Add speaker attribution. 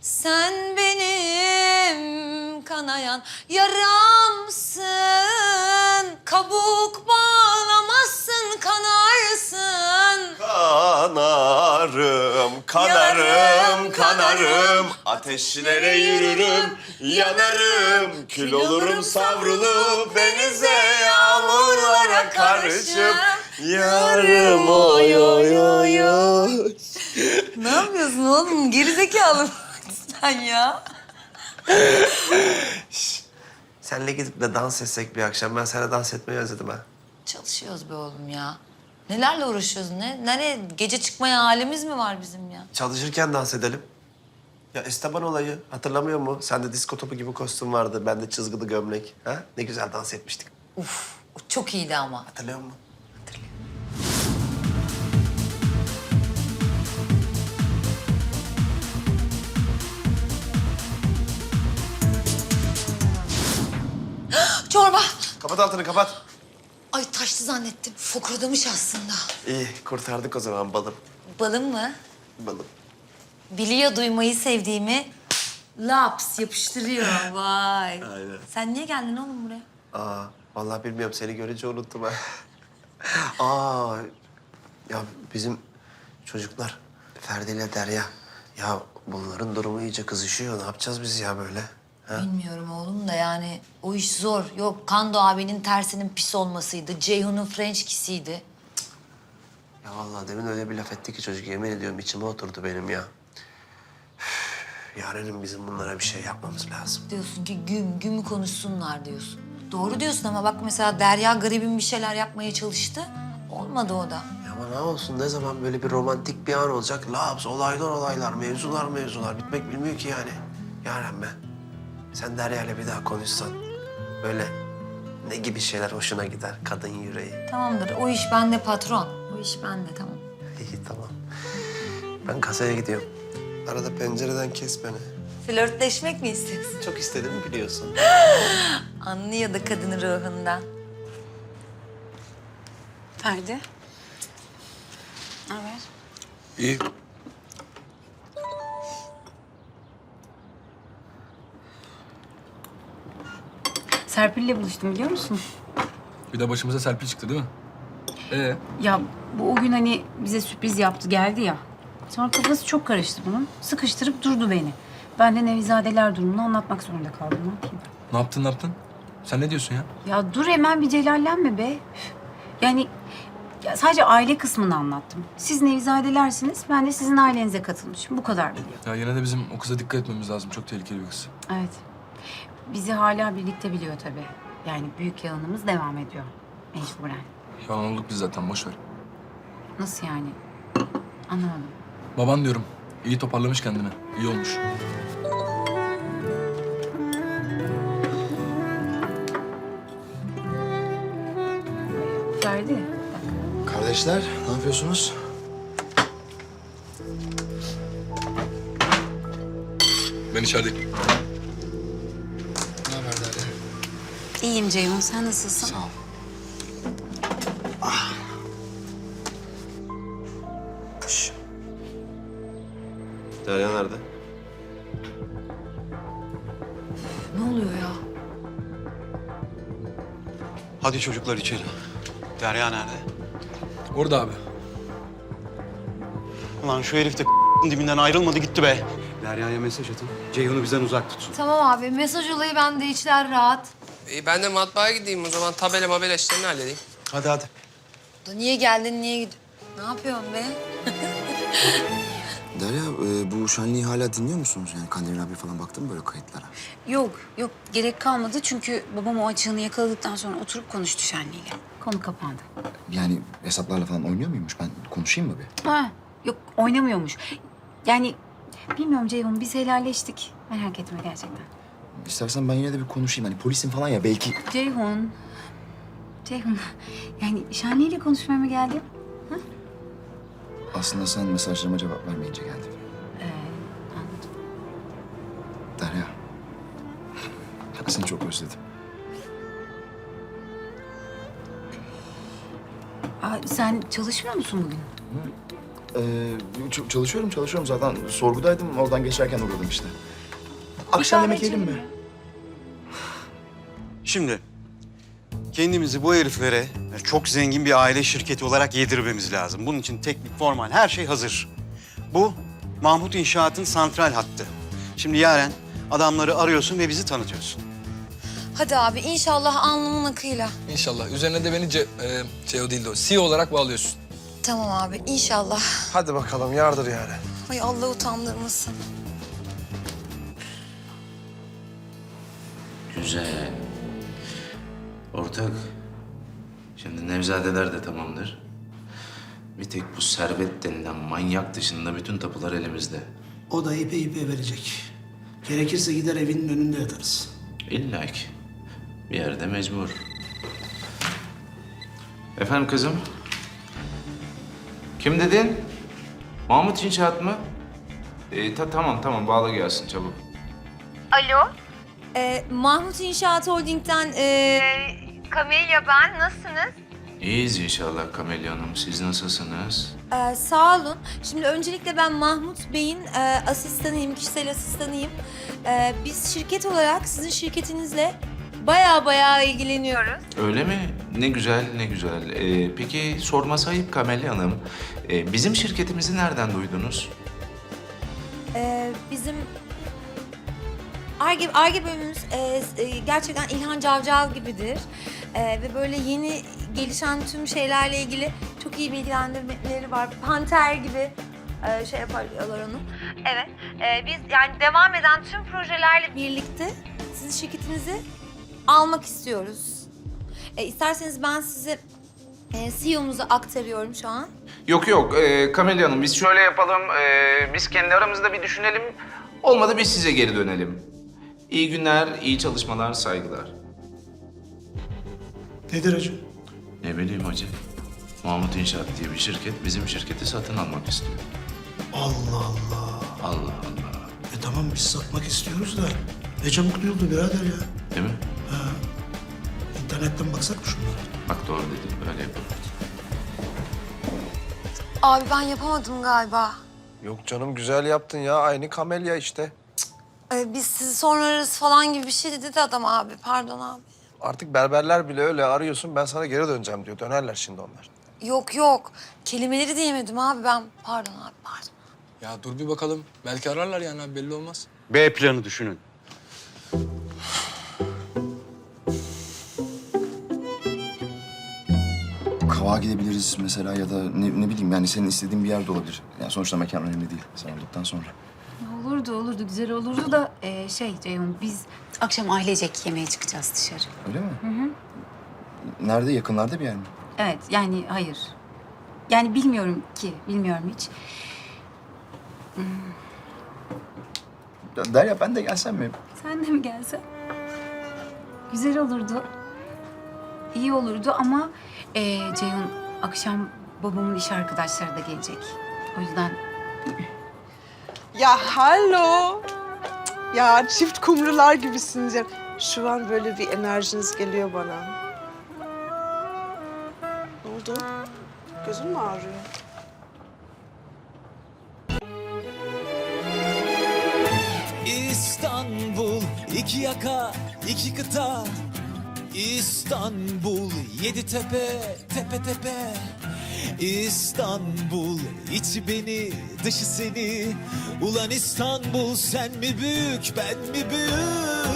Speaker 1: Sen benim kanayan yaramsın. Kabuk bağlamazsın, kanarsın.
Speaker 2: Kanarım, kanarım,
Speaker 1: Yanarım,
Speaker 2: kanarım. Ateşlere yürürüm, yanarım. Kül olurum savrulup denize, yağmurlara karışıp yarım oy oy oy oy.
Speaker 1: Ne yapıyorsun oğlum? Gerizekalı sen ya.
Speaker 2: Senle gidip de dans etsek bir akşam. Ben sana dans etmeyi özledim ha.
Speaker 1: Çalışıyoruz be oğlum ya. Nelerle uğraşıyoruz? Nereye? Gece çıkmaya halimiz mi var bizim ya?
Speaker 2: Çalışırken dans edelim. Ya Esteban olayı hatırlamıyor musun? Sende disko topu gibi kostüm vardı. Bende çizgili gömlek. Ha? Ne güzel dans etmiştik.
Speaker 1: Uf, o çok iyiydi ama.
Speaker 2: Hatırlıyor musun?
Speaker 1: Çorba.
Speaker 2: Kapat altını kapat.
Speaker 1: Ay taştı zannettim. Fokurdamış aslında.
Speaker 2: İyi kurtardık o zaman balım.
Speaker 1: Balım mı?
Speaker 2: Balım.
Speaker 1: Biliyor duymayı sevdiğimi. Laps yapıştırıyor. Vay.
Speaker 2: Aynen.
Speaker 1: Sen niye geldin oğlum buraya?
Speaker 2: Aa, vallahi bilmiyorum. Seni görünce unuttum ha. Aa, ya bizim çocuklar Ferdi ile Derya. Ya bunların durumu iyice kızışıyor. Ne yapacağız biz ya böyle? Ha?
Speaker 1: Bilmiyorum oğlum da yani o iş zor. Yok Kando abinin tersinin pis olmasıydı. Ceyhun'un French kiss'iydi.
Speaker 2: Ya vallahi demin öyle bir laf etti ki çocuk, yemin ediyorum içime oturdu benim ya. Üf, Yarenim bizim bunlara bir şey yapmamız lazım.
Speaker 1: Diyorsun ki güm konuşsunlar diyorsun. Doğru diyorsun ama bak mesela Derya garibim bir şeyler yapmaya çalıştı. Olmadı o da.
Speaker 2: Ya ama ne olsun, ne zaman böyle bir romantik bir an olacak? Laps, olaylar olaylar, mevzular bitmek bilmiyor ki yani. Yaren ben, sen Derya'yla bir daha konuşsan böyle ne gibi şeyler hoşuna gider kadın yüreği?
Speaker 1: Tamamdır o iş bende patron. O iş bende tamam.
Speaker 2: İyi tamam. Ben kasaya gidiyorum. Arada pencereden kes beni.
Speaker 1: Flörtleşmek mi istiyorsun?
Speaker 2: Çok istedim biliyorsun.
Speaker 1: Anlıyor da kadının ruhundan.
Speaker 3: Ferdi. Ne haber?
Speaker 4: İyi.
Speaker 3: Serpil'le buluştum biliyor musun?
Speaker 4: Bir de başımıza Serpil çıktı değil mi?
Speaker 3: Ya bu o gün hani bize sürpriz yaptı geldi ya. Sonra kafası çok karıştı bunun. Sıkıştırıp durdu beni. Ben de Nevizadeler durumunu anlatmak zorunda kaldım. Ne yapayım?
Speaker 4: Ne yaptın? Sen ne diyorsun ya?
Speaker 3: Ya dur hemen bir celallenme be. Üf. Yani ya sadece aile kısmını anlattım. Siz Nevizadelersiniz, ben de sizin ailenize katılmışım. Bu kadar biliyor.
Speaker 4: Ya yine de bizim o kıza dikkat etmemiz lazım. Çok tehlikeli bir kız.
Speaker 3: Evet. Bizi hala birlikte biliyor tabii. Yani büyük yalanımız devam ediyor. Mecburen.
Speaker 4: Yalan olduk biz zaten, boş ver.
Speaker 3: Nasıl yani? Anlamadım.
Speaker 4: Baban diyorum. İyi toparlamış kendini. İyi olmuş.
Speaker 3: Ferdi, bak.
Speaker 5: Kardeşler, ne yapıyorsunuz?
Speaker 4: Ben içerideyim.
Speaker 5: Ne haber Derya?
Speaker 3: İyiyim Ceyhun, sen nasılsın?
Speaker 5: Sağ ol.
Speaker 2: Derya nerede?
Speaker 1: Ne oluyor ya?
Speaker 6: Hadi çocuklar içeri. Derya nerede?
Speaker 4: Orada abi.
Speaker 6: Ulan şu herif de dibinden ayrılmadı gitti be. Derya'ya mesaj atın. Ceyhun'u bizden uzak tutsun.
Speaker 1: Tamam abi mesaj olayı bende içler rahat.
Speaker 7: Ben de matbaaya gideyim o zaman. Tabela mabela işlerini halledeyim.
Speaker 6: Hadi.
Speaker 1: Niye geldin niye gidiyorsun? Ne yapıyorsun be?
Speaker 5: Derya, bu şenliği hala dinliyor musunuz? Yani Kandemir abi falan baktın mı böyle kayıtlara?
Speaker 3: Yok, gerek kalmadı çünkü babam o açığını yakaladıktan sonra oturup konuştu Şenli'yle. Konu kapandı.
Speaker 5: Yani hesaplarla falan oynuyor muymuş? Ben konuşayım mı bir?
Speaker 3: Ha, yok oynamıyormuş. Yani bilmiyorum Ceyhun, biz helalleştik. Merak etme gerçekten.
Speaker 5: İstersen ben yine de bir konuşayım. Hani polisim falan ya belki...
Speaker 3: Ceyhun, yani Şenli'yle konuşmaya mı geldin?
Speaker 5: Aslında sen mesajlarıma cevap vermeyince geldim.
Speaker 3: Anladım.
Speaker 5: Derya, ben seni çok özledim.
Speaker 3: Aa, sen çalışmıyor musun bugün?
Speaker 5: Çalışıyorum zaten. Sorgudaydım, oradan geçerken uğradım işte. Akşam yemek yiyelim mi?
Speaker 6: Şimdi kendimizi bu heriflere çok zengin bir aile şirketi olarak yedirmemiz lazım. Bunun için teknik, formal her şey hazır. Bu Mahmut İnşaat'ın santral hattı. Şimdi Yaren adamları arıyorsun ve bizi tanıtıyorsun.
Speaker 1: Hadi abi inşallah alnımın akıyla.
Speaker 4: İnşallah. Üzerine de beni CEO değil de o CEO olarak bağlıyorsun.
Speaker 1: Tamam abi inşallah.
Speaker 2: Hadi bakalım yardır yani.
Speaker 1: Ay Allah utandırmasın.
Speaker 8: Güzel. Ortak, şimdi Nevzadeler de tamamdır. Bir tek bu Servet denilen manyak dışında bütün tapular elimizde.
Speaker 9: O da ipe verecek. Gerekirse gider evinin önünde yatarız.
Speaker 8: İlla ki. Bir yerde mecbur. Efendim kızım? Kim dedin? Mahmut İnşaat mı? Tamam bağla gelsin çabuk.
Speaker 1: Mahmut İnşaat Holding'den Kamelya ben. Nasılsınız?
Speaker 8: İyiyiz inşallah Kamelya Hanım. Siz nasılsınız?
Speaker 1: Sağ olun. Şimdi öncelikle ben Mahmut Bey'in asistanıyım, kişisel asistanıyım. Biz şirket olarak sizin şirketinizle bayağı ilgileniyoruz.
Speaker 8: Öyle mi? Ne güzel, ne güzel. Peki sorması ayıp Kamelya Hanım. Bizim şirketimizi nereden duydunuz?
Speaker 1: Bizim Ar-Ge bölümümüz gerçekten İlhan Cavcav gibidir. Ve böyle yeni gelişen tüm şeylerle ilgili çok iyi bilgilendirmeleri var. Panter gibi şey yaparlar onu. Evet. Biz yani devam eden tüm projelerle birlikte sizin şirketinizi almak istiyoruz. İsterseniz ben size CEO'muzu aktarıyorum şu an.
Speaker 8: Yok Kamelya Hanım biz şöyle yapalım. Biz kendi aramızda bir düşünelim. Olmadı biz size geri dönelim. İyi günler, iyi çalışmalar, saygılar.
Speaker 9: Nedir hacı?
Speaker 8: Ne bileyim hacı. Mahmut İnşaat diye bir şirket bizim şirketi satın almak istiyor.
Speaker 9: Allah Allah.
Speaker 8: Allah Allah.
Speaker 9: Tamam biz satmak istiyoruz da ne çabuk duyuldu birader ya.
Speaker 8: Değil mi?
Speaker 9: İnternetten baksak mı şunlara?
Speaker 8: Bak doğru dedin, öyle yapalım.
Speaker 1: Abi ben yapamadım galiba.
Speaker 2: Yok canım güzel yaptın ya. Aynı Kamelya işte.
Speaker 1: Biz sizi sonra ararız falan gibi bir şey dedi adam abi. Pardon abi.
Speaker 2: Artık berberler bile öyle arıyorsun ben sana geri döneceğim diyor. Dönerler şimdi onlar.
Speaker 1: Yok. Kelimeleri diyemedim abi ben. Pardon abi, pardon.
Speaker 4: Ya dur bir bakalım. Belki ararlar yani abi belli olmaz.
Speaker 6: B planı düşünün.
Speaker 5: Kavağa gidebiliriz mesela ya da ne bileyim yani senin istediğin bir yer de olabilir. Yani sonuçta mekan önemli değil sen olduktan sonra.
Speaker 3: Olurdu, güzel olurdu da Ceyhun biz akşam ailecek yemeğe çıkacağız dışarı.
Speaker 5: Öyle mi? Hı. Nerede? Yakınlarda bir yer mi?
Speaker 3: Evet, yani hayır. Yani bilmiyorum hiç.
Speaker 5: Derya ben de gelsem mi?
Speaker 3: Sen de mi gelsen? Güzel olurdu. İyi olurdu ama Ceyhun akşam babamın iş arkadaşları da gelecek. O yüzden
Speaker 10: Ya hallo. Ya çift kumrular gibisiniz ya. Şu an böyle bir enerjiniz geliyor bana. Ne oldu? Gözün mü ağrıyor?
Speaker 11: İstanbul, iki yaka, iki kıta. İstanbul, yedi tepe, tepe tepe. İstanbul, içi beni, dışı seni. Ulan İstanbul, sen mi büyük, ben mi büyük?